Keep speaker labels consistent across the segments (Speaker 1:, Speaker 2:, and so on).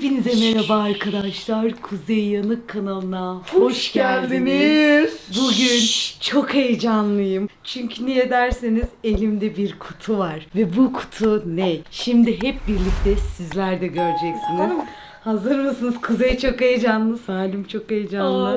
Speaker 1: Hepinize merhaba arkadaşlar. Kuzey Yanık kanalına hoş geldiniz. Bugün çok heyecanlıyım. Çünkü niye derseniz elimde bir kutu var. Ve bu kutu ne? Şimdi hep birlikte sizler de göreceksiniz. Hazır mısınız? Kuzey çok heyecanlı. Salim çok heyecanlı.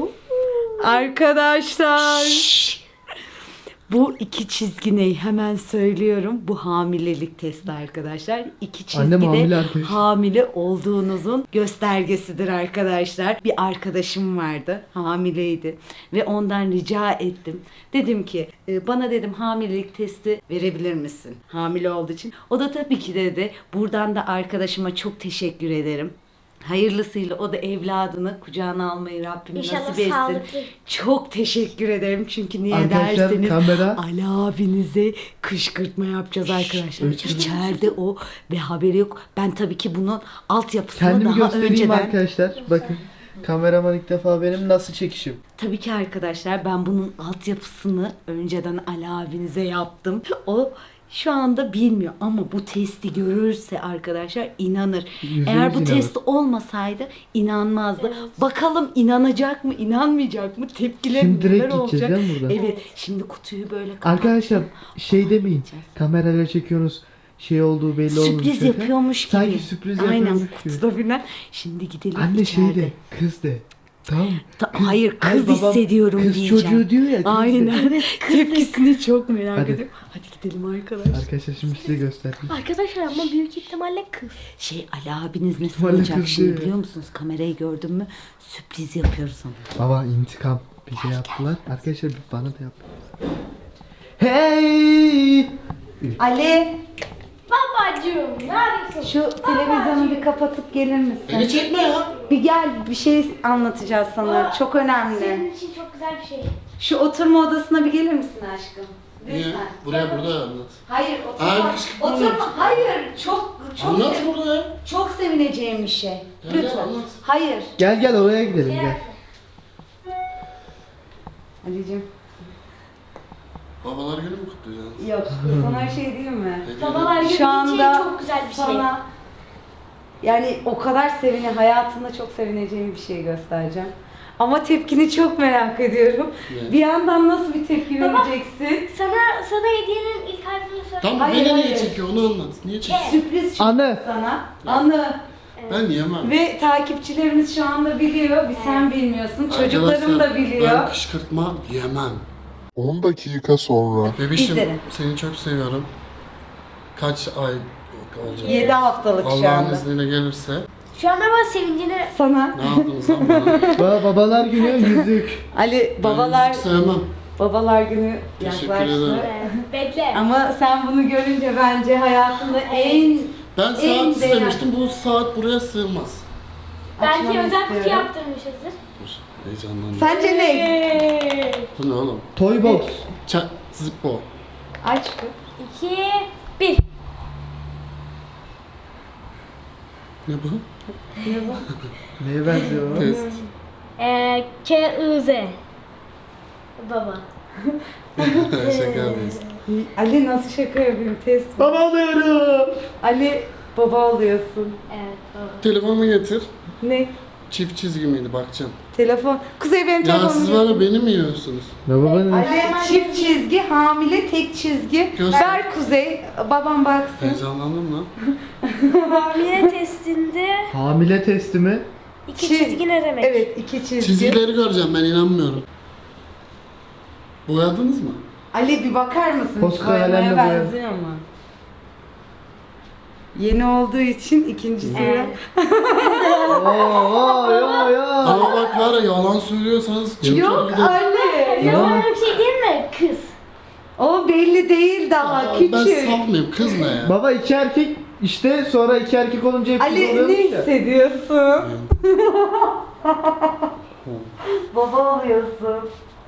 Speaker 1: Arkadaşlar. Bu iki çizgi ne? Hemen söylüyorum. Bu hamilelik testi arkadaşlar. İki çizgi de hamile olduğunuzun göstergesidir arkadaşlar. Bir arkadaşım vardı. Hamileydi. Ve ondan rica ettim. Dedim ki bana dedim hamilelik testi verebilir misin? Hamile olduğu için. O da tabii ki dedi. Buradan da arkadaşıma çok teşekkür ederim. Hayırlısıyla o da evladını kucağına almayı Rabbim
Speaker 2: İnşallah
Speaker 1: nasip etsin.
Speaker 2: sağlıklı.
Speaker 1: Çok teşekkür ederim çünkü niye
Speaker 3: Arkadaşlar,
Speaker 1: derseniz
Speaker 3: kamera.
Speaker 1: Ali abinize kışkırtma yapacağız arkadaşlar. İçeride o ve haberi yok. Ben tabii ki bunun altyapısını
Speaker 3: Kendimi
Speaker 1: daha
Speaker 3: göstereyim
Speaker 1: önceden...
Speaker 3: arkadaşlar. Bakın. Kameraman ilk defa benim nasıl çekişim.
Speaker 1: Tabii ki arkadaşlar ben bunun altyapısını önceden Ali abinize yaptım. O şu anda bilmiyor ama bu testi görürse arkadaşlar inanır. Eğer bu
Speaker 3: inanır.
Speaker 1: test olmasaydı inanmazdı.
Speaker 2: Evet.
Speaker 1: Bakalım inanacak mı, inanmayacak mı? Tepkiler
Speaker 3: Şimdi direkt
Speaker 1: neler
Speaker 3: gideceğiz
Speaker 1: olacak?
Speaker 3: değil mi buradan?
Speaker 1: Evet. Şimdi kutuyu böyle kapattım.
Speaker 3: Arkadaşlar şey demeyin. Kamerayla çekiyorsunuz. Şey olduğu belli olmuş.
Speaker 1: Sürpriz yapıyormuş gibi.
Speaker 3: Sanki sürpriz
Speaker 1: Aynen
Speaker 3: yapıyormuş gibi.
Speaker 1: kutuda filan. Şimdi gidelim
Speaker 3: Anne
Speaker 1: içeride.
Speaker 3: şey de kız de. Tamam.
Speaker 1: Hayır kız
Speaker 3: Hayır, babam
Speaker 1: hissediyorum
Speaker 3: kız
Speaker 1: diyeceğim.
Speaker 3: çocuğu diyor ya, kız
Speaker 1: Aynen. Tepkisini çok merak
Speaker 3: Hadi.
Speaker 1: ediyorum. Hadi gidelim arkadaşlar.
Speaker 3: Arkadaşlar şimdi size göstereyim.
Speaker 2: Arkadaşlar ama büyük ihtimalle kız.
Speaker 1: Şey Ali abiniz ne
Speaker 3: İhtimalle
Speaker 1: sanacak
Speaker 3: kız
Speaker 1: şimdi
Speaker 3: diyor.
Speaker 1: biliyor musunuz? Kamerayı gördün mü? Sürpriz yapıyoruz ona.
Speaker 3: Baba intikam. Bize yaptılar. Arkadaşlar bana da yap. Hey!
Speaker 1: Ali
Speaker 2: Babacığım neredesin?
Speaker 1: şu televizyonu bir kapatıp gelir misin?
Speaker 4: Beni çekme ya.
Speaker 1: Bir gel bir şey anlatacağız sana. Çok önemli.
Speaker 2: Senin için çok güzel bir şey.
Speaker 1: Şu oturma odasına bir gelir misin aşkım?
Speaker 4: Niye?
Speaker 1: Lütfen.
Speaker 4: Burada anlat.
Speaker 1: Hayır oturma.
Speaker 4: Ay, kışkırtma
Speaker 1: Oturma.
Speaker 4: olacak.
Speaker 1: Hayır çok
Speaker 4: Anlat burada ya.
Speaker 1: çok sevineceğim bir şey.
Speaker 4: Gel, gel,
Speaker 1: Lütfen.
Speaker 4: anlat.
Speaker 1: Hayır.
Speaker 3: Gel oraya gidelim gel.
Speaker 1: Ali'cim.
Speaker 4: Babalar günü mü kutlayacaksın?
Speaker 1: Yok. Sana bir şey diyeyim mi?
Speaker 4: Ne
Speaker 2: Babalar
Speaker 4: diyorsun?
Speaker 2: günü
Speaker 1: Şu anda
Speaker 2: için çok güzel bir şey.
Speaker 1: sana yani o kadar hayatında çok sevineceğim bir şey göstereceğim. Ama tepkini çok merak ediyorum.
Speaker 4: Ne?
Speaker 1: Bir yandan nasıl bir tepki
Speaker 2: Baba.
Speaker 1: vereceksin?
Speaker 2: Sana hediyenin ilk harfini söyle.
Speaker 4: Tamam
Speaker 1: Hayır,
Speaker 4: beni niye
Speaker 1: hayır.
Speaker 4: çekiyor onu anlat. Niye çekiyor?
Speaker 1: Sürpriz çünkü
Speaker 3: Anı.
Speaker 1: sana. Anı.
Speaker 4: Ben yemem.
Speaker 1: Ve takipçilerimiz şu anda biliyor. Bir sen bilmiyorsun. Çocuklarım da
Speaker 4: Arkadaşlar,
Speaker 1: biliyor.
Speaker 4: Ben kışkırtma yemem.
Speaker 5: 10 dakika sonra.
Speaker 4: Bebişim
Speaker 1: İzlerim.
Speaker 4: seni çok seviyorum. Kaç ay olacak?
Speaker 1: 7 haftalık şu
Speaker 4: Allah'ın
Speaker 1: anda.
Speaker 4: izniyle gelirse.
Speaker 2: Şu anda ben sevincini...
Speaker 1: Sana.
Speaker 4: Ne yaptınız lan bana?
Speaker 3: Babalar günü yüzük.
Speaker 1: Ali babalar
Speaker 4: Ben sevmem.
Speaker 1: babalar günü
Speaker 4: Teşekkür
Speaker 1: yaklaştı.
Speaker 4: ederim.
Speaker 2: Bekle.
Speaker 1: Ama sen bunu görünce bence hayatında en
Speaker 4: Ben
Speaker 1: En
Speaker 4: saat
Speaker 1: değerli.
Speaker 4: istemiştim. Bu saat buraya sığmaz.
Speaker 2: Belki
Speaker 1: açmanı
Speaker 2: özel kutu
Speaker 1: istiyorum.
Speaker 2: yaptırmışızdır.
Speaker 4: Dur. Heyecanlandım.
Speaker 1: Sence ne?
Speaker 4: Bu ne oğlum?
Speaker 3: Toy box.
Speaker 4: Zippo.
Speaker 1: Aç.
Speaker 2: 2, 1.
Speaker 4: Ne bu?
Speaker 3: Neye benziyor o?
Speaker 4: Test.
Speaker 2: K-I-Z. Baba.
Speaker 4: Şaka yapıyorsun.
Speaker 1: Ali nasıl şaka yapayım test.
Speaker 3: Baba oluyorum.
Speaker 1: Ali baba oluyorsun.
Speaker 2: Evet baba.
Speaker 4: Telefonumu getir.
Speaker 1: Ne?
Speaker 4: Çift çizgi miydi bakacağım.
Speaker 1: Telefon. Kuzey benim
Speaker 4: Ya
Speaker 1: telefonum.
Speaker 4: siz var ya beni mi yiyorsunuz?
Speaker 3: Ne babanın?
Speaker 1: Ali çift çizgi, hamile tek çizgi.
Speaker 4: Göster.
Speaker 1: Ver Kuzey. Babam baksın.
Speaker 4: Heyecanlandım lan.
Speaker 2: Hamile testinde
Speaker 3: Hamile testi mi?
Speaker 2: 2
Speaker 1: Çiz-
Speaker 2: çizgi ne demek?
Speaker 1: Evet iki çizgi.
Speaker 4: Çizgileri göreceğim ben inanmıyorum. Boyadınız mı?
Speaker 1: Ali bir bakar mısın?
Speaker 3: Posta
Speaker 1: Boyamaya
Speaker 3: kalemle boya.
Speaker 1: benziyor mu? Yeni olduğu için ikincisi.
Speaker 2: Evet.
Speaker 3: Oo ya.
Speaker 4: Ama bak var ya yalan söylüyorsanız
Speaker 1: Yok Ali.
Speaker 2: Ya
Speaker 1: Yok.
Speaker 2: sana bir şey diyeyim mi? Kız.
Speaker 1: O belli değil daha
Speaker 4: Ben
Speaker 1: küçük.
Speaker 4: sapmayayım kız ne ya?
Speaker 3: Baba iki erkek işte sonra iki erkek olunca hep kız
Speaker 1: Ali
Speaker 3: oluyormuş
Speaker 1: ne
Speaker 3: ya.
Speaker 1: hissediyorsun? Baba oluyorsun.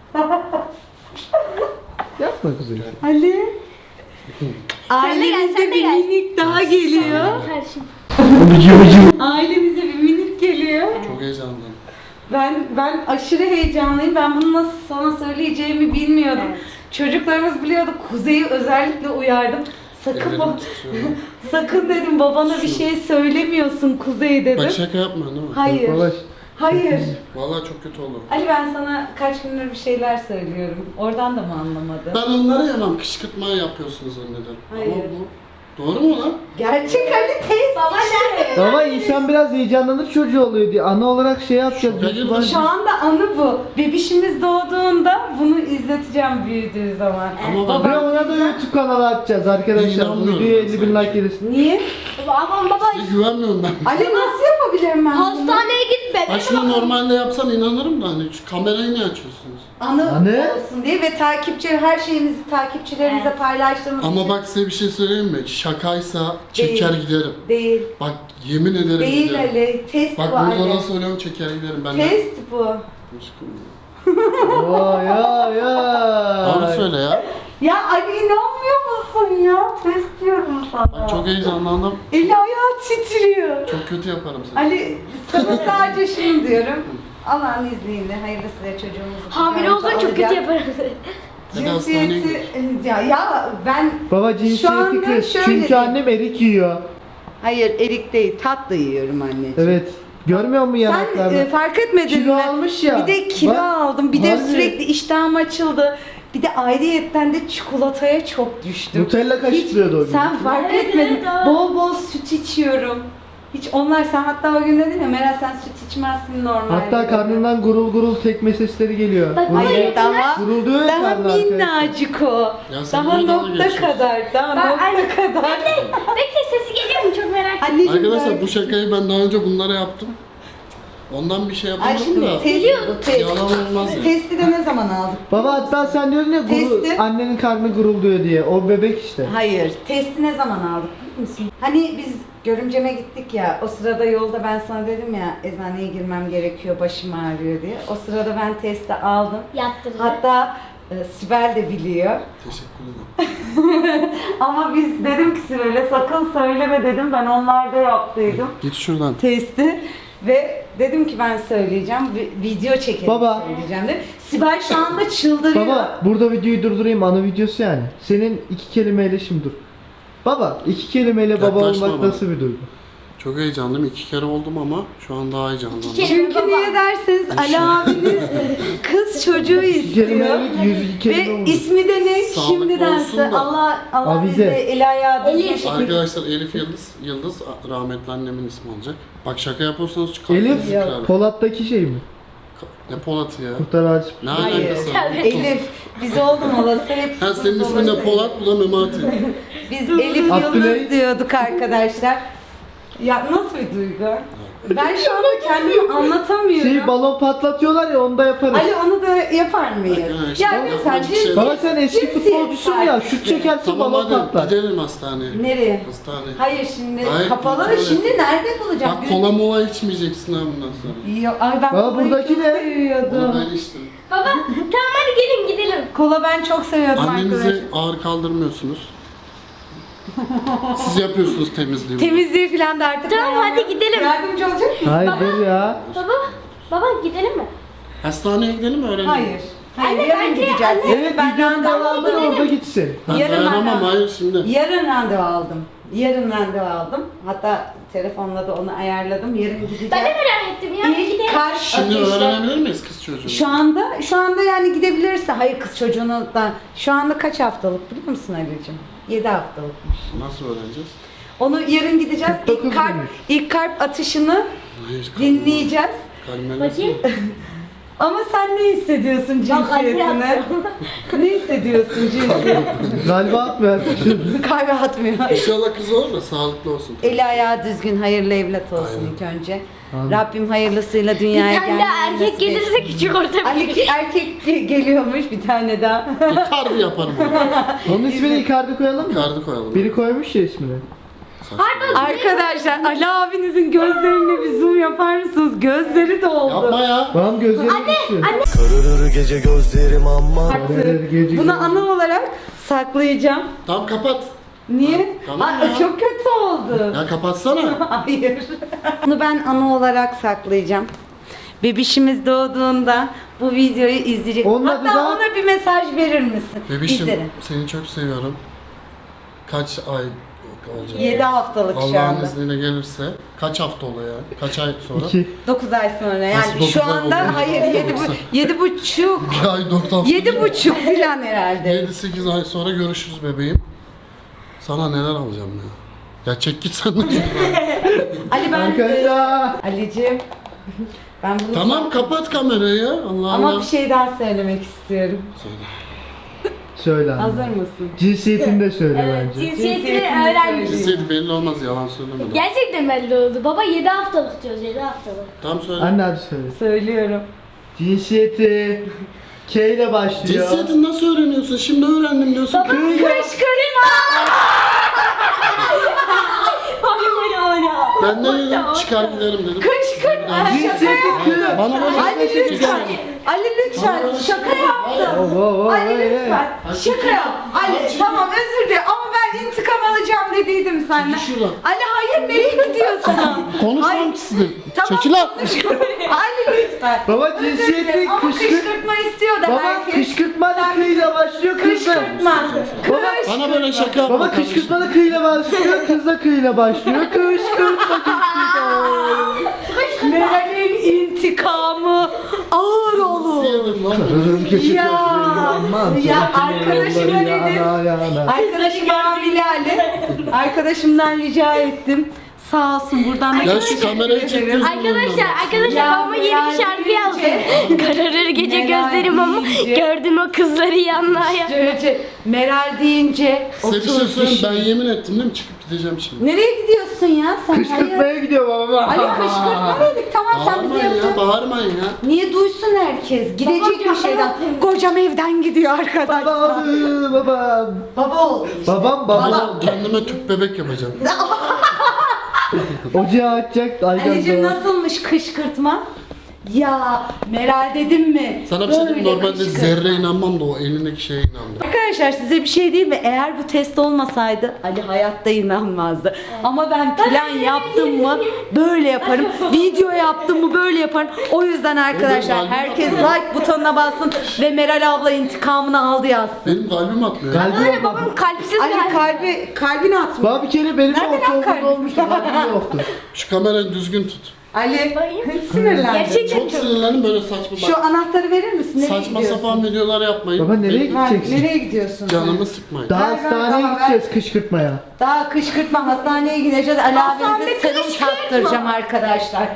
Speaker 3: Yapma kuzey.
Speaker 1: Ali. Ailemize
Speaker 2: sen de
Speaker 1: bir
Speaker 2: gel.
Speaker 1: minik daha geliyor.
Speaker 2: Karşım.
Speaker 1: Ailemize bir minik geliyor.
Speaker 4: Çok heyecanlıyım.
Speaker 1: Ben aşırı heyecanlıyım. Ben bunu nasıl sana söyleyeceğimi bilmiyordum.
Speaker 2: Evet.
Speaker 1: Çocuklarımız biliyordu. Kuzey'i özellikle uyardım. Sakın
Speaker 4: Ellerim
Speaker 1: bak.
Speaker 4: titriyor.
Speaker 1: Sakın dedim babana bir şey söylemiyorsun Kuzey dedim.
Speaker 4: Bak şaka yapma değil mi?
Speaker 1: Hayır.
Speaker 3: Baba,
Speaker 1: Hayır.
Speaker 4: Vallahi çok kötü olur.
Speaker 1: Ali ben sana kaç gündür bir şeyler söylüyorum. Oradan da mı anlamadın?
Speaker 4: Ben onları yemem. Kışkırtma yapıyorsunuz zannederim.
Speaker 1: Hayır.
Speaker 4: Ama bu doğru mu lan?
Speaker 1: Gerçek Ali teyze.
Speaker 2: Baba nerede?
Speaker 3: baba insan biraz heyecanlanır çocuğu oluyor diye. Ana olarak şey yapacağız.
Speaker 4: Şaka gibi.
Speaker 1: Şu anda anı bu. Bebişimiz doğduğunda bunu izleteceğim büyüdüğü zaman.
Speaker 4: Ama bak-
Speaker 3: Ve ona da YouTube kanalı açacağız arkadaşlar. Bu
Speaker 4: İnanmıyorum
Speaker 3: videoya
Speaker 4: ben
Speaker 3: 50 bin
Speaker 4: sana.
Speaker 3: like gelirsin.
Speaker 1: Niye?
Speaker 2: Baba
Speaker 4: Size güvenmiyorum ben.
Speaker 1: Ali nasıl yapabilirim ben bunu?
Speaker 2: hastaneye git
Speaker 4: Bak
Speaker 2: bebeğe
Speaker 4: şimdi normalde yapsam inanırım da hani şu kamerayı niye açıyorsunuz?
Speaker 1: Anı
Speaker 3: Anne?
Speaker 1: olsun diye ve her şeyimizi takipçilerimize
Speaker 2: Evet.
Speaker 1: paylaştığımız
Speaker 4: Ama
Speaker 1: için
Speaker 4: bak size bir şey söyleyeyim mi? Şakaysa çeker giderim.
Speaker 1: değil.
Speaker 4: Bak yemin ederim
Speaker 1: Değil
Speaker 4: giderim.
Speaker 1: Ali. Test
Speaker 4: Bak
Speaker 1: bu Ali.
Speaker 4: burada da söylüyorum çeker giderim ben de.
Speaker 1: Test bu.
Speaker 4: Aşkım.
Speaker 3: Vay ya
Speaker 4: Doğru
Speaker 3: ya.
Speaker 4: söyle ya.
Speaker 1: Ya Ali inanmıyor musun ya? Test diyorum sana.
Speaker 4: Bak çok heyecanlandım.
Speaker 1: Eli ayağı titriyor.
Speaker 4: Çok kötü yaparım seni.
Speaker 1: Ali sana sadece şunu diyorum. Allah'ın izniyle hayırlısıyla çocuğumuzu
Speaker 2: Hamile olsan çok kötü
Speaker 1: alacak.
Speaker 2: yaparız.
Speaker 4: Hadi hastaneye
Speaker 1: Cinsiyeti ya ben
Speaker 3: Baba
Speaker 1: Şu
Speaker 3: cinsiyeti
Speaker 1: anda
Speaker 3: kız.
Speaker 1: şöyle
Speaker 3: Çünkü
Speaker 1: diyeyim.
Speaker 3: annem erik yiyor.
Speaker 1: hayır erik değil tatlı yiyorum anneciğim.
Speaker 3: Evet. Görmüyor musun
Speaker 1: Sen
Speaker 3: yanaklarını?
Speaker 1: fark etmedin
Speaker 3: Kilo
Speaker 1: mi?
Speaker 3: almış ya.
Speaker 1: Bir de kilo
Speaker 3: Bak,
Speaker 1: aldım. Bir de
Speaker 3: harbi.
Speaker 1: sürekli iştahım açıldı. Bir de ayrıyetten de çikolataya çok düştüm.
Speaker 3: Nutella kaşıklıyordu o gün.
Speaker 1: Sen fark
Speaker 2: Evet,
Speaker 1: etmedin.
Speaker 2: evet.
Speaker 1: Bol bol süt içiyorum. Hiç onlar sen hatta o gün dedin ya Meral sen süt içmezsin normalde.
Speaker 3: Hatta karnından gurul gurul tekme sesleri geliyor.
Speaker 2: Bak,
Speaker 3: Gurul-
Speaker 1: Hayır daha
Speaker 3: Gurulduyor ya
Speaker 1: daha
Speaker 3: karnı arkadaşlar.
Speaker 1: minnacık o.
Speaker 4: Ya sen
Speaker 1: Daha
Speaker 4: niye dalga
Speaker 1: nokta
Speaker 4: geçiyorsun?
Speaker 1: kadar. Daha
Speaker 2: Ben-
Speaker 1: nokta
Speaker 2: Anne,
Speaker 1: kadar.
Speaker 2: Bekle sesi geliyor mu çok merak ettim.
Speaker 1: Anneciğim
Speaker 4: Arkadaşlar
Speaker 1: ben-
Speaker 4: bu şakayı ben daha önce bunlara yaptım. Ondan bir şey
Speaker 1: Ay
Speaker 4: yapamadım
Speaker 1: şimdi
Speaker 4: da.
Speaker 1: test, bu test.
Speaker 4: Yalan olmaz ya.
Speaker 1: Testi de ne zaman aldık?
Speaker 3: Baba hatta sen diyordun ya
Speaker 1: Testi.
Speaker 3: annenin karnı gurulduyor diye. O bebek işte.
Speaker 1: Hayır, testi ne zaman aldık biliyor musun? Hani biz görümceme gittik ya, o sırada yolda ben sana dedim ya eczaneye girmem gerekiyor, başım ağrıyor diye. O sırada ben testi aldım.
Speaker 2: Yaptırdı.
Speaker 1: Hatta Sibel de biliyor.
Speaker 4: Teşekkür ederim.
Speaker 1: Ama biz dedim ki Sibel'e sakın söyleme dedim, ben onlarda yaptıydım
Speaker 4: Git şuradan.
Speaker 1: testi. Ve dedim ki ben söyleyeceğim, video çekelim
Speaker 3: Baba.
Speaker 1: söyleyeceğim de. Sibel şu anda çıldırıyor.
Speaker 3: Baba burada videoyu durdurayım, ana videosu yani. Senin 2 kelimeyle şimdi dur. Baba 2 kelimeyle baba
Speaker 4: Yaklaşma
Speaker 3: olmak
Speaker 4: bana.
Speaker 3: nasıl bir duygu?
Speaker 4: Çok heyecanlıyım. 2 kere oldum ama şu an daha heyecanlandım.
Speaker 1: Çünkü niye derseniz Ali abiniz kız çocuğu istiyor.
Speaker 3: Kelimelik 102 kelime
Speaker 1: Ve
Speaker 3: oldu.
Speaker 1: ismi de ne?
Speaker 4: Sağlıklı
Speaker 1: Şimdidense
Speaker 4: olsun da.
Speaker 1: Allah
Speaker 3: Avize.
Speaker 1: bize el ayağı
Speaker 2: Elif.
Speaker 1: düzgün şekilde-
Speaker 4: Arkadaşlar Elif Yıldız rahmetli annemin ismi olacak. Bak şaka yapıyorsanız çıkar.
Speaker 3: Elif
Speaker 4: Zikrar.
Speaker 3: Polat'taki şey mi?
Speaker 4: Ne Polat'ı ya?
Speaker 3: Kurtar Ağacı.
Speaker 4: Ne
Speaker 1: Hayır.
Speaker 4: alakası var?
Speaker 1: Elif. Biz oldum olası hep.
Speaker 4: Ha senin ismin de Polat, bu da Memati.
Speaker 1: Biz Elif
Speaker 3: Abdülhamit.
Speaker 1: Yıldız diyorduk arkadaşlar. Ya nasıl bir duygu? Ben şu anda kendimi anlatamıyorum.
Speaker 3: Şey balon patlatıyorlar ya onu da yaparız.
Speaker 1: Ali onu da yapar mıyız?
Speaker 4: Arkadaşlar,
Speaker 1: Ya lütfen
Speaker 4: yapmak bir şey yok.
Speaker 3: Baba sen eski
Speaker 1: cinsiyet
Speaker 3: futbolcusun ya,
Speaker 1: partisi.
Speaker 3: şut çekersin
Speaker 4: Tamam
Speaker 3: balon
Speaker 4: hadi
Speaker 3: patlar.
Speaker 4: gidelim hastaneye.
Speaker 1: Nereye?
Speaker 4: Hastaneye.
Speaker 1: Hayır şimdi
Speaker 4: Hayır,
Speaker 1: kapalı.
Speaker 4: kontrol et.
Speaker 1: Şimdi nerede bulacağım?
Speaker 4: Bak kola mola içmeyeceksin ha bundan sonra.
Speaker 1: Yok, ay ben
Speaker 3: Baba,
Speaker 1: kolayı
Speaker 3: buradaki
Speaker 1: çok
Speaker 3: ne?
Speaker 1: seviyordum.
Speaker 4: Onu ben içtim.
Speaker 2: Baba tamam hadi gelin gidelim.
Speaker 1: Kola ben çok seviyordum
Speaker 4: Annenizi
Speaker 1: arkadaşlar.
Speaker 4: ağır kaldırmıyorsunuz. Siz yapıyorsunuz temizliği.
Speaker 1: Temizliği falan da artık.
Speaker 2: Tamam,
Speaker 1: ben
Speaker 2: hadi gidelim.
Speaker 1: Yardımcı olacak mısın?
Speaker 3: Hayır dur ya.
Speaker 2: Baba gidelim mi?
Speaker 4: Hastaneye gidelim mi öğrenelim?
Speaker 1: Hayır. Hayır,
Speaker 2: Anne,
Speaker 1: yarın
Speaker 2: bence
Speaker 1: gideceğiz.
Speaker 2: anne-
Speaker 3: Evet
Speaker 1: ben
Speaker 3: videonun devamında
Speaker 1: randevu
Speaker 3: orada gitsin.
Speaker 4: Ben
Speaker 1: Yarın
Speaker 4: dayanamam
Speaker 1: ben-
Speaker 4: hayır şimdi.
Speaker 1: Yarın randevu aldım. Yarın randevu aldım. Hatta telefonla da onu ayarladım. Yarın gideceğiz.
Speaker 2: Ben de merak ettim ya.
Speaker 1: İlk
Speaker 2: Gidelim.
Speaker 1: kalp
Speaker 4: Şimdi
Speaker 1: ateşi.
Speaker 4: öğrenebilir miyiz kız çocuğunu?
Speaker 1: Şu anda yani gidebilirse, hayır kız çocuğunu da şu anda kaç haftalık biliyor musun Ali'cim? 7 haftalıkmış.
Speaker 4: Nasıl öğreneceğiz?
Speaker 1: Onu yarın gideceğiz.
Speaker 3: 49
Speaker 1: İlk kalp,
Speaker 3: günmüş.
Speaker 1: ilk kalp atışını
Speaker 4: Hayır,
Speaker 1: dinleyeceğiz.
Speaker 4: Kalbime
Speaker 2: Bakayım.
Speaker 1: Ama sen ne hissediyorsun
Speaker 2: Bak, Ali
Speaker 1: cinsiyetine?
Speaker 2: yaptı.
Speaker 1: Ne hissediyorsun cinsiyetine?
Speaker 3: Galiba atmıyor.
Speaker 1: Kalbi atmıyor.
Speaker 4: İnşallah kız olur da sağlıklı olsun.
Speaker 1: Eli ayağı düzgün, hayırlı evlat olsun
Speaker 4: Aynen.
Speaker 1: ilk önce.
Speaker 3: Amin.
Speaker 1: Rabbim hayırlısıyla
Speaker 2: Bir
Speaker 1: dünyaya
Speaker 2: tane daha erkek gelirse küçük orta
Speaker 1: Ali
Speaker 2: bir.
Speaker 1: erkek geliyormuş bir tane daha.
Speaker 4: Icardi yaparım onu.
Speaker 3: Onun ismini Icardi koyalım mı?
Speaker 4: Icardi koyalım.
Speaker 3: Biri koymuş ya ismini.
Speaker 4: Saçma.
Speaker 1: Arkadaşlar Ali abinizin gözlerine bir zoom yapar mısınız? Gözleri doldu.
Speaker 4: Yapma ya.
Speaker 3: Babam gözleri düştü.
Speaker 6: Kararır gece gözlerim ama
Speaker 3: Kararır gece
Speaker 1: Bunu
Speaker 3: gözlerim.
Speaker 1: ana olarak saklayacağım.
Speaker 4: Tamam kapat.
Speaker 1: Niye?
Speaker 4: Tamam
Speaker 1: Aa,
Speaker 4: ya.
Speaker 1: çok kötü oldu.
Speaker 4: Ya kapatsana.
Speaker 1: Hayır. Bunu ben ana olarak saklayacağım. Bebişimiz doğduğunda bu videoyu izleyecek.
Speaker 3: Onun adı
Speaker 1: Hatta
Speaker 3: da-
Speaker 1: ona bir mesaj verir misin?
Speaker 4: Bebişim
Speaker 1: Bizlere.
Speaker 4: seni çok seviyorum. Kaç ay olacak?
Speaker 1: 7 haftalık şu
Speaker 4: Allah'ın
Speaker 1: anda.
Speaker 4: izniyle gelirse kaç hafta oluyor yani? Kaç ay sonra?
Speaker 3: 2.
Speaker 1: 9 ay sonra yani
Speaker 4: Nasıl dokuz
Speaker 1: şu
Speaker 4: ay
Speaker 1: anda
Speaker 4: oluyor?
Speaker 1: hayır 7,5
Speaker 4: Bir ay 4 hafta.
Speaker 1: 7,5 falan herhalde.
Speaker 4: 7-8 ay sonra görüşürüz bebeğim. Sana neler alacağım ya? Ya çek git sen de.
Speaker 1: Ali ben
Speaker 3: Arkadaşlar.
Speaker 1: Ali'cim ben bunu
Speaker 4: Tamam kapat kamerayı ya. Allah
Speaker 1: ama
Speaker 4: Allah.
Speaker 1: bir şey daha söylemek istiyorum.
Speaker 3: Söyle anne.
Speaker 1: Hazır mısın?
Speaker 3: Cinsiyetini de söyle bence.
Speaker 2: Cinsiyetini
Speaker 1: Cinsiyetini
Speaker 2: öğrendim.
Speaker 4: Cinsiyeti belli olmaz yalan söyleme. de.
Speaker 2: Gerçekten belli oldu. Baba 7 haftalık diyoruz 7 haftalık.
Speaker 4: Tamam söyle.
Speaker 3: Anne hadi söyle.
Speaker 1: Söylüyorum.
Speaker 3: Cinsiyeti K ile başlıyor.
Speaker 4: Cinsiyetini nasıl öğreniyorsun? Şimdi öğrendim diyorsun.
Speaker 1: Kışkırtma!
Speaker 4: Ben ne dedim? Çıkar giderim dedim.
Speaker 1: Kışkırtma! Şaka
Speaker 3: Cinsiyeti
Speaker 1: yaptım.
Speaker 4: Bana bana.
Speaker 1: Ali lütfen. Ali lütfen. Şaka yaptım. Ali lütfen. Şaka yap. Ali tamam özür dilerim ama ben intikam alacağım dediydim senden.
Speaker 4: Çekil şuradan.
Speaker 1: Ali hayır nereye gidiyorsun?
Speaker 4: Konuşmam ki size.
Speaker 1: Tamam.
Speaker 4: Çekil lan.
Speaker 1: Ali lütfen.
Speaker 3: Baba
Speaker 1: Özür
Speaker 3: cinsiyeti
Speaker 1: dilerim ama
Speaker 3: kışkırt.
Speaker 1: kışkırtma istiyor da
Speaker 3: Baba
Speaker 1: herkes.
Speaker 3: kışkırtma da K ile başlıyor kızla.
Speaker 1: Kışkırtma.
Speaker 4: Bana böyle şaka yapma
Speaker 3: Baba
Speaker 4: kardeşim.
Speaker 3: kışkırtma da K ile başlıyor, kız da K ile başlıyor. Kışkırtma.
Speaker 1: Meral'in intikamı ağır olur.
Speaker 4: Yedim lan ben.
Speaker 1: Ya arkadaşıma dedim. Arkadaşım hamile Ali. Arkadaşımdan rica ettim. Sağ olsun buradan da
Speaker 4: Ya şu kamerayı çek gözümün
Speaker 2: Arkadaşlar
Speaker 1: Ya
Speaker 2: babama yeni bir şarkı yazdım. Kararır gece
Speaker 1: Meral
Speaker 2: gözlerim ama
Speaker 1: deyince-
Speaker 2: gördüm o kızları yanlaya.
Speaker 1: Meral deyince
Speaker 4: Size bir şey
Speaker 1: otur
Speaker 4: söyleyeyim.
Speaker 1: düşün.
Speaker 4: Ben yemin ettim değil mi? Çıkıp gideceğim şimdi.
Speaker 1: Nereye gidiyorsun ya sen? Hayır.
Speaker 3: Kışkırtmaya gidiyor baba.
Speaker 1: Ali kışkırtma dedik tamam sen bize
Speaker 4: Bağırmayın ya,
Speaker 1: yapacaksın.
Speaker 4: bağırmayın ya.
Speaker 1: Niye duysun herkes? Gidecek bir şeyden. Kocam evden gidiyor arkadaşlar.
Speaker 3: Babam.
Speaker 1: Baba oldu işte.
Speaker 3: Babam.
Speaker 4: Kendime tüp bebek yapacağım.
Speaker 3: Ocağı açacak.
Speaker 1: Anneciğim
Speaker 3: Aydan
Speaker 1: nasılmış kışkırtma? Ya Meral dedim mi?
Speaker 4: Sana bir şey diyeyim mi?
Speaker 1: Böyle
Speaker 4: Normalde
Speaker 1: kışkırtma.
Speaker 4: zerre inanmam da o elindeki şeye inandım.
Speaker 1: Arkadaşlar size bir şey diyeyim mi? Eğer bu test olmasaydı Ali hayatta inanmazdı. Ama ben plan yaptım mı böyle yaparım. Video yaptım mı böyle yaparım. O yüzden arkadaşlar
Speaker 4: kalbim
Speaker 1: herkes
Speaker 4: atıyor.
Speaker 1: like butonuna bassın ve Meral abla intikamını aldı yazsın.
Speaker 4: Benim kalbim atmıyor.
Speaker 3: Kalbi baba.
Speaker 2: Babam kalpsiz
Speaker 1: Ali kalbini atmıyor.
Speaker 3: Baba bir kere benim de
Speaker 1: Nereden kalbi?
Speaker 3: ortaokulda olmuştu. Kalbim yoktu.
Speaker 4: Şu kamerayı düzgün tut.
Speaker 1: Ali sinirlendi.
Speaker 2: Gerçekten
Speaker 4: Çok sinirlendim böyle saçma
Speaker 1: Şu anahtarı verir misin? Nereye
Speaker 4: saçma
Speaker 1: gidiyorsun?
Speaker 4: sapan videolar yapmayın.
Speaker 3: Baba nereye
Speaker 4: Benim
Speaker 3: gideceksin?
Speaker 1: Nereye gidiyorsun?
Speaker 4: Canımı sıkmayın.
Speaker 3: Daha
Speaker 1: Ver, ver,
Speaker 3: hastaneye
Speaker 1: baba,
Speaker 3: gideceğiz kışkırtmaya.
Speaker 1: Daha kışkırtma hastaneye gideceğiz. Ali abinize serum taktıracağım arkadaşlar.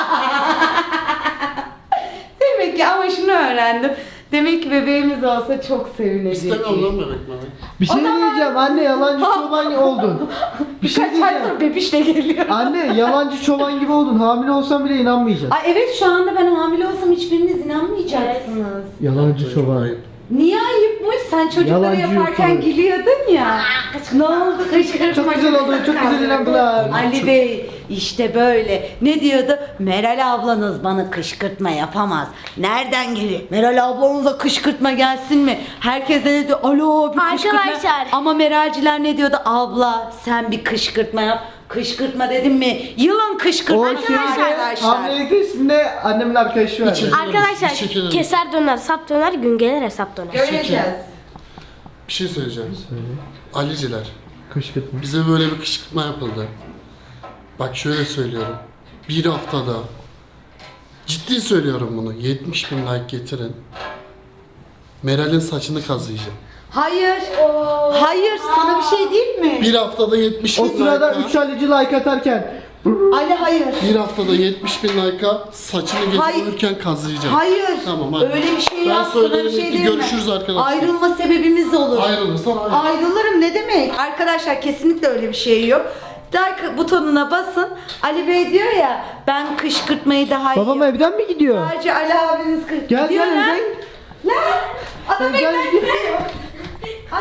Speaker 1: Demek ki ama şunu öğrendim. Demek ki bebeğimiz olsa çok sevinecek.
Speaker 4: İstemiyorum lan bebek bebek.
Speaker 3: Bir şey diyeceğim anne yalancı çoban oldun. Bir şey
Speaker 1: Birkaç ay
Speaker 3: diyeceğim.
Speaker 1: sonra bebişle geliyor.
Speaker 3: Anne yalancı çoban gibi oldun. Hamile olsan bile inanmayacaksın.
Speaker 1: Ay evet şu anda ben hamile olsam hiçbiriniz inanmayacaksınız.
Speaker 3: Yalancı çoban.
Speaker 4: Ayıp.
Speaker 1: Niye ayıpmış? Sen çocukları
Speaker 3: Yalancı
Speaker 1: yaparken
Speaker 3: YouTuber.
Speaker 1: gülüyordun ya. Ne oldu kışkırtma?
Speaker 3: Çok güzel oldu, çok güzel inandılar.
Speaker 1: Ali Bey işte böyle. Ne diyordu? Meral ablanız bana kışkırtma yapamaz. Nereden geliyor? Meral ablanıza kışkırtma gelsin mi? Herkes de ne diyor? Alo bir kışkırtma.
Speaker 2: Arkadaşlar.
Speaker 1: Ama Meralciler ne diyordu? Abla sen bir kışkırtma yap. Kışkırtma dedim mi? Yılan
Speaker 3: O
Speaker 1: kışkırtması
Speaker 3: şeyde
Speaker 1: arkadaşlar.
Speaker 3: hamilelik testinde annemin arkadaşı var.
Speaker 4: Çekil.
Speaker 2: Arkadaşlar
Speaker 4: Bir çekelim.
Speaker 2: keser döner, sap döner, gün gelir hesap döner.
Speaker 1: Göreceğiz.
Speaker 4: Bir şey söyleyeceğim. Aliciler.
Speaker 3: Kışkırtma.
Speaker 4: Bize böyle bir kışkırtma yapıldı. Bak şöyle söylüyorum. Bir haftada ciddi söylüyorum bunu. 70 bin like getirin. Meral'in saçını kazıyacağım.
Speaker 1: Hayır. Hayır sana bir şey diyeyim mi?
Speaker 4: Bir haftada 70 bin
Speaker 3: O sırada
Speaker 4: like'a.
Speaker 3: 3 alıcı like atarken
Speaker 1: Ali hayır.
Speaker 4: Bir haftada 70 bin like'a saçını
Speaker 1: Hayır.
Speaker 4: getirirken kazıyacağım.
Speaker 1: Hayır.
Speaker 4: Tamam hadi.
Speaker 1: Öyle bir şey
Speaker 4: Ben
Speaker 1: yok. Sana bir
Speaker 4: söylerim
Speaker 1: şey
Speaker 4: ki
Speaker 1: diyeyim mi?
Speaker 4: görüşürüz arkadaşlar.
Speaker 1: Ayrılma sebebimiz olur.
Speaker 4: Ayrılırsan ayrıl.
Speaker 1: Ayrılırım ne demek? Arkadaşlar kesinlikle öyle bir şey yok. Like butonuna basın. Ali Bey diyor ya ben kışkırtmayı daha iyi
Speaker 3: babam evden mi gidiyor?
Speaker 1: Sadece Ali abiniz
Speaker 3: Gel
Speaker 1: gidiyor
Speaker 3: gel
Speaker 1: lan.
Speaker 3: evden.
Speaker 1: Lan! Adam
Speaker 3: Evden
Speaker 1: evden
Speaker 3: gidiyor.
Speaker 1: gidiyor. Ay.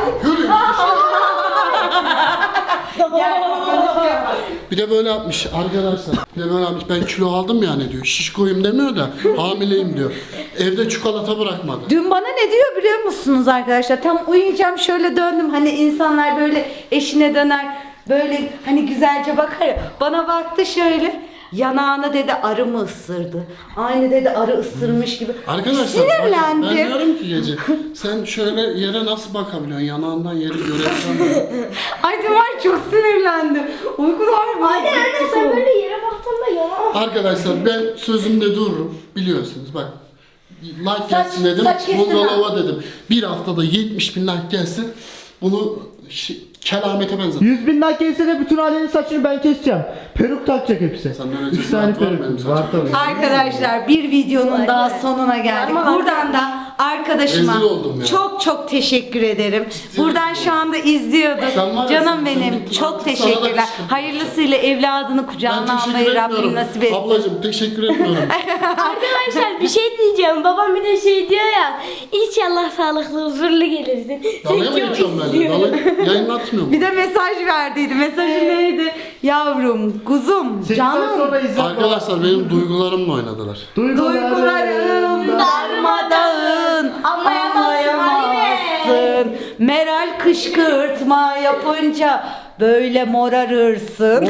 Speaker 1: Gel, konuşuyor.
Speaker 4: Bir de böyle yapmış arkadaşlar. Bir de böyle yapmış. Ben kilo aldım yani diyor. Şişkoyum demiyor da hamileyim diyor. Evde çikolata bırakmadı.
Speaker 1: Dün bana ne diyor biliyor musunuz arkadaşlar? Tam uyuyacağım şöyle döndüm. Hani insanlar böyle eşine döner. Böyle hani güzelce bakar ya. Bana baktı şöyle. Yanağını dedi arı mı ısırdı? Aynı dedi arı ısırmış gibi.
Speaker 4: Arkadaşlar
Speaker 1: Sinirlendim.
Speaker 4: ben diyorum ki gece sen şöyle yere nasıl bakabiliyorsun? Yanağından yeri görebiliyorsun.
Speaker 1: Ay var çok sinirlendim. Uykular var.
Speaker 2: Anne sen böyle yere baktığında yana.
Speaker 4: Arkadaşlar ben sözümde dururum. Biliyorsunuz bak. Like gelsin dedim.
Speaker 1: saç kestirme.
Speaker 4: Buzdolaba dedim. Bir haftada 70.000 like gelsin. Bunu kelamete benzer.
Speaker 3: 100.000 like gelse de bütün ailenin saçını ben keseceğim. Peruk takacak hepsi.
Speaker 4: Senden önce
Speaker 3: 3 tane
Speaker 4: saat var benim
Speaker 3: peruk
Speaker 4: saçım.
Speaker 3: var tabii.
Speaker 1: Arkadaşlar bir videonun daha sonuna geldik.
Speaker 2: Ama
Speaker 1: Buradan da arkadaşıma
Speaker 4: Rezil oldum ya.
Speaker 1: çok çok teşekkür ederim. Buradan şu anda izliyorduk.
Speaker 4: Sen var ya,
Speaker 1: Canım
Speaker 4: sen
Speaker 1: benim
Speaker 4: bir
Speaker 1: çok
Speaker 4: artık sana da
Speaker 1: teşekkürler.
Speaker 4: kıskandım.
Speaker 1: Hayırlısıyla evladını kucağına
Speaker 4: Ben teşekkür
Speaker 1: almayı Rabbim
Speaker 4: etmiyorum.
Speaker 1: nasip etsin.
Speaker 4: Ablacığım teşekkür etmiyorum.
Speaker 2: Arkadaşlar bir şey diyeceğim. Babam bir de şey diyor ya. İnşallah sağlıklı huzurlu gelirsin.
Speaker 4: Dalga mı geçiyorum ben de? Yayınlatmıyorum.
Speaker 1: Bir de mesaj verdiydi. Mesajı neydi? Yavrum, kuzum,
Speaker 3: 8 ay sonra
Speaker 1: canım.
Speaker 3: izle.
Speaker 4: Arkadaşlar benim duygularımla oynadılar.
Speaker 1: Duygularım darmadağın anlayamazsın. Meral kışkırtma yapınca böyle morarırsın.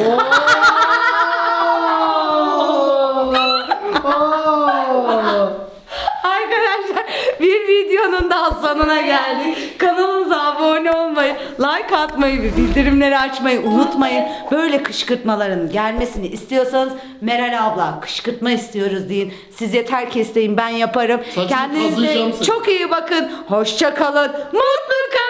Speaker 1: Arkadaşlar bir videonun daha sonuna geldik. Kanalımıza abone olmayı, like atmayı ve bildirimleri açmayı unutmayın. Böyle kışkırtmaların gelmesini istiyorsanız Meral abla kışkırtma istiyoruz deyin. Siz yeter ki isteyin ben yaparım.
Speaker 4: Saçını
Speaker 1: Kendinize
Speaker 4: kazıyacağım seni.
Speaker 1: çok iyi bakın. Hoşça kalın. Mutlu kalın.